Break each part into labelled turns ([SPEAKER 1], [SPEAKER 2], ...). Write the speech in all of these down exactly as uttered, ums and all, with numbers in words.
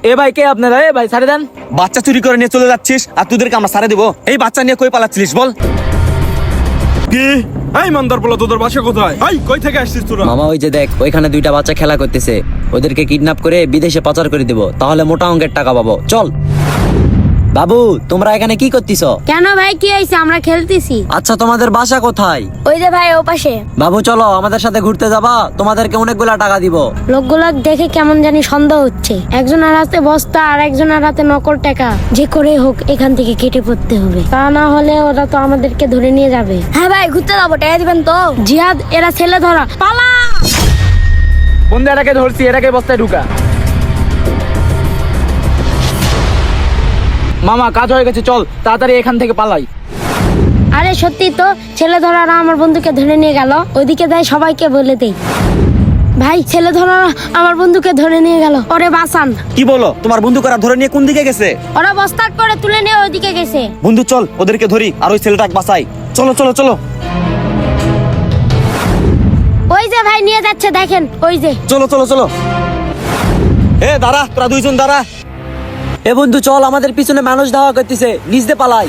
[SPEAKER 1] এ ভাই কে আপনারা? এ ভাই ছাড়ে দেন।
[SPEAKER 2] বাচ্চা চুরি করে নিয়ে চলে যাচ্ছিস আর তোদেরকে আমরা সারে দেবো? এই বাচ্চা নিয়ে কই পালাচ্ছিলিস বল?
[SPEAKER 3] কি এই মান্দার পোলা, তোদের বাসা কোথায়? এই কই থেকে আসছিস তোরা?
[SPEAKER 4] মামা ওই যে দেখ, ওইখানে দুইটা বাচ্চা খেলা করতেছে, ওদেরকে কিডন্যাপ করে বিদেশে পাচার করে দেব, তাহলে মোটা অঙ্কের টাকা পাবো। চল। বাবু, তোমরা এখানে কি করতেছ?
[SPEAKER 5] কেন ভাই, কি হয়েছে? আমরা খেলতেছি।
[SPEAKER 4] আচ্ছা, তোমাদের বাসা কোথায়?
[SPEAKER 5] ওই যে ভাই, ও পাশে।
[SPEAKER 4] বাবু চলো, আমাদের সাথে ঘুরতে যাবা, তোমাদেরকে অনেকগুলা টাকা দিব।
[SPEAKER 5] লোকগুলো দেখে কেমন জানি সন্দেহ হচ্ছে। একজনের হাতে বস্তা আর একজনের হাতে নকল টাকা। যে করে হোক এখান থেকে কেটে পড়তে হবে, তা না হলে ওরা তো আমাদেরকে ধরে নিয়ে যাবে। হ্যাঁ ভাই, ঘুরতে যাবো, টাকা দিবেন তো? জিহাদ, এরা ছেলে ধরা, পালা।
[SPEAKER 1] বন্ধু এটাকে ধরছি, এটাকে বস্তায় ঢুকা। মামা কাজ হয়ে গেছে, চল তাড়াতাড়ি এখান থেকে পালাই।
[SPEAKER 5] আরে সত্যি তো, ছেলে ধরারা আমার বন্ধুকে ধরে নিয়ে গেল। ওইদিকে দেয়, সবাইকে বলে দেই। ভাই, ছেলে ধরারা আমার বন্ধুকে ধরে নিয়ে গেল, ওরে বাঁচান।
[SPEAKER 2] কি বলো? তোমার বন্ধু করা ধরে নিয়ে কোন দিকে গেছে?
[SPEAKER 5] ওরা বস্তা করে তুলে নিয়ে ওইদিকে গেছে।
[SPEAKER 2] বন্ধু চল ওদেরকে ধরি আর ওই ছেলেটাকে বাঁচাই। চলো চলো চলো।
[SPEAKER 5] ওই যে ভাই নিয়ে যাচ্ছে, দেখেন ওই যে।
[SPEAKER 2] চলো চলো চলো। এ দাঁড়া, তোরা দুইজন দাঁড়া।
[SPEAKER 4] এ বন্ধু চল, আমাদের পিছনে মানুষ ধাওয়া করতেছে, নিচ দিয়ে পালাই।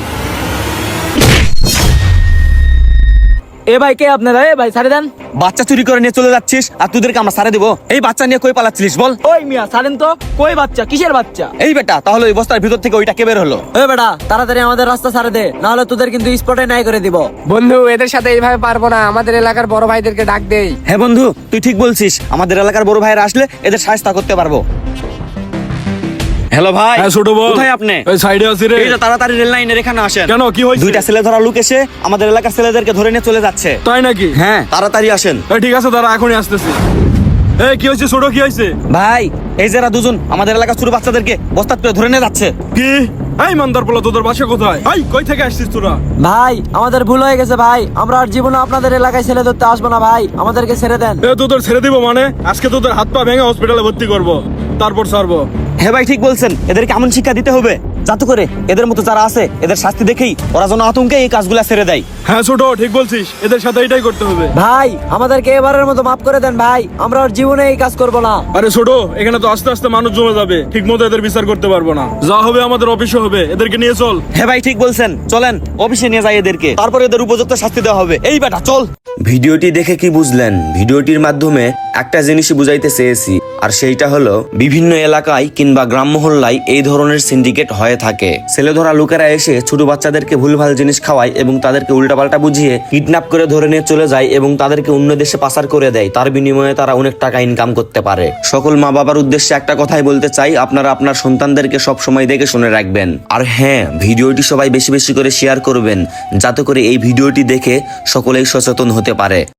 [SPEAKER 1] এ ভাই কে আপনারা? এ ভাই ছাড়ে দেন।
[SPEAKER 2] বাচ্চা চুরি করে নিয়ে চলে যাচ্ছিস আর তোদেরকে আমরা সারে দেবো? এই বাচ্চা নিয়ে কই পালাচ্ছিলিস বল?
[SPEAKER 1] ওই মিয়া ছাড়েন তো। কই বাচ্চা? কিসের বাচ্চা?
[SPEAKER 2] এই বেটা, তাহলে ওই বস্তার ভিতর থেকে ওইটা কে বের হলো?
[SPEAKER 4] এ বেটা, তাড়াতাড়ি আমাদের রাস্তা ছাড়ে দে, না হলে তোদের কিন্তু স্পটে নাই করে দিব।
[SPEAKER 6] বন্ধু, এদের সাথে এইভাবে পারবো না, আমাদের এলাকার বড় ভাইদেরকে ডাক দেই।
[SPEAKER 2] হ্যাঁ বন্ধু, তুই ঠিক বলছিস, আমাদের এলাকার বড় ভাইরা আসলে এদের সাহায্য করতে পারবো। হ্যালো ভাই।
[SPEAKER 3] হ্যাঁ ছোট বল,
[SPEAKER 2] কোথায় আপনি?
[SPEAKER 3] এই সাইডে আছি রে।
[SPEAKER 2] এই যে তাড়াতাড়ি রেল লাইনের এখানে আসেন।
[SPEAKER 3] কেন, কি হয়েছে?
[SPEAKER 2] দুইটা ছেলে ধরা লোক এসে আমাদের এলাকার ছেলেদেরকে ধরে নিয়ে চলে যাচ্ছে।
[SPEAKER 3] তাই নাকি?
[SPEAKER 2] হ্যাঁ, তাড়াতাড়ি আসেন।
[SPEAKER 3] এই ঠিক আছে, দাঁড়া, এখনই আসতেছি। এই কি হয়েছে ছোট, কি হয়েছে?
[SPEAKER 2] ভাই, এই যারা দুজন আমাদের এলাকার ছোট বাচ্চাদেরকে বস্তাত করে ধরে নিয়ে যাচ্ছে।
[SPEAKER 3] কি এই মান্দার পোলা, তোদের বাসা কোথায়? এই কই থেকে আসছিস তোরা?
[SPEAKER 4] ভাই, আমাদের ভুল হয়ে গেছে ভাই, আমরা আর জীবনে আপনাদের এলাকায় ছেলে ধরতে আসবো না ভাই, আমাদেরকে ছেড়ে দেন।
[SPEAKER 3] এ তোদের ছেড়ে দিব মানে? আজকে তোদের হাত পা ভেঙে হসপিটালে ভর্তি করব, তারপর ছাড়বো।
[SPEAKER 2] হ্যাঁ ভাই, ঠিক বলছেন, এদেরকে এমন শিক্ষা দিতে হবে যাতে করে এদের মতো যারা আছে এদের শাস্তি দেখেই ওরা যেন আতঙ্কে এই কাজগুলা ছেড়ে দেয়।
[SPEAKER 3] হ্যাঁ ছোট, ঠিক বলছিস, এদের সাথে এটাই করতে হবে।
[SPEAKER 4] ভাই, আমাদেরকে এবারের মতো মাফ করে দেন ভাই, আমরা আর জীবনে এই কাজ করব না।
[SPEAKER 3] আরে ছোট, এখানে তো আস্তে আস্তে মানুষ জমে যাবে, ঠিক মতো এদের বিচার করতে পারবো না। যা হবে আমাদের অফিসে হবে, এদেরকে নিয়ে চল।
[SPEAKER 2] হ্যাঁ ভাই, ঠিক বলছেন, চলেন অফিসে নিয়ে যাই এদেরকে, তারপর এদের উপযুক্ত শাস্তি দেওয়া হবে। এই বেটা চল।
[SPEAKER 7] ভিডিওটি দেখে কি বুঝলেন? ভিডিওটির মাধ্যমে একটা জিনিসই বুঝাইতে চেয়েছি, আর সেইটা হলো বিভিন্ন এলাকায় কিংবা গ্রাম মহল্লায় এই ধরনের সিন্ডিকেট হয়ে থাকে। ছেলে ধরা লোকেরা এসে ছোট বাচ্চাদেরকে ভুলভাল জিনিস খাওয়ায় এবং তাদেরকে উল্টাপাল্টা বুঝিয়ে কিডন্যাপ করে ধরে নিয়ে চলে যায় এবং তাদেরকে অন্য দেশে পাচার করে দেয়। তার বিনিময়ে তারা অনেক টাকা ইনকাম করতে পারে। সকল মা বাবার উদ্দেশ্যে একটা কথাই বলতে চাই, আপনারা আপনার সন্তানদেরকে সব সময় দেখে শুনে রাখবেন। আর হ্যাঁ, ভিডিওটি সবাই বেশি বেশি করে শেয়ার করবেন, যাতে করে এই ভিডিওটি দেখে সকলেই সচেতন হতে পারে।